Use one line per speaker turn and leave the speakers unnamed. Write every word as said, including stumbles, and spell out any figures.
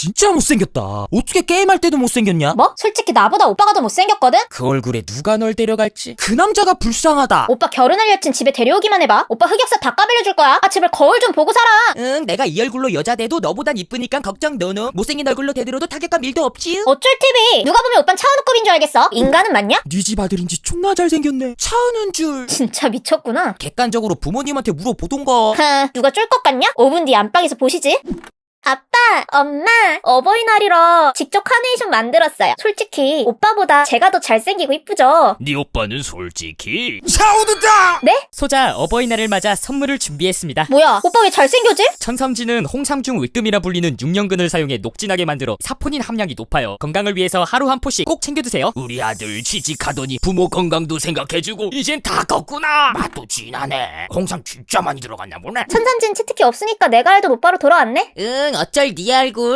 진짜 못생겼다. 어떻게 게임할 때도 못생겼냐?
뭐? 솔직히 나보다 오빠가 더 못생겼거든?
그 얼굴에 누가 널 데려갈지.
그 남자가 불쌍하다.
오빠 결혼할 여친 집에 데려오기만 해봐. 오빠 흑역사 다 까발려줄 거야. 아 제발 거울 좀 보고 살아.
응, 내가 이 얼굴로 여자 돼도 너보단 이쁘니까 걱정 노노. 못생긴 얼굴로 대들어도 타격감 일도 없지.
어쩔 티비. 누가 보면 오빤 차은우급인 줄 알겠어. 인간은 맞냐?
네 집 아들인지 존나 잘생겼네. 차은우인 줄.
진짜 미쳤구나.
객관적으로 부모님한테 물어보던가.
하, 누가 쫄 것 같냐? 오 분 뒤 안방에서 보시지. 아빠, 엄마, 어버이날이라 직접 카네이션 만들었어요. 솔직히 오빠보다 제가 더 잘생기고 이쁘죠?
네 오빠는 솔직히
차은우다.
네?
소자 어버이날을 맞아 선물을 준비했습니다.
뭐야, 오빠 왜 잘생겨지?
천삼지는 홍삼중 으뜸이라 불리는 육 년근을 사용해 녹진하게 만들어 사포닌 함량이 높아요. 건강을 위해서 하루 한 포씩 꼭 챙겨드세요.
우리 아들 취직하더니 부모 건강도 생각해주고 이젠 다 컸구나. 맛도 진하네. 홍삼 진짜 많이 들어갔나 보네.
천삼진 치트키 없으니까 내가 알던 오빠로 돌아왔네?
응, 어쩔 네 얼굴.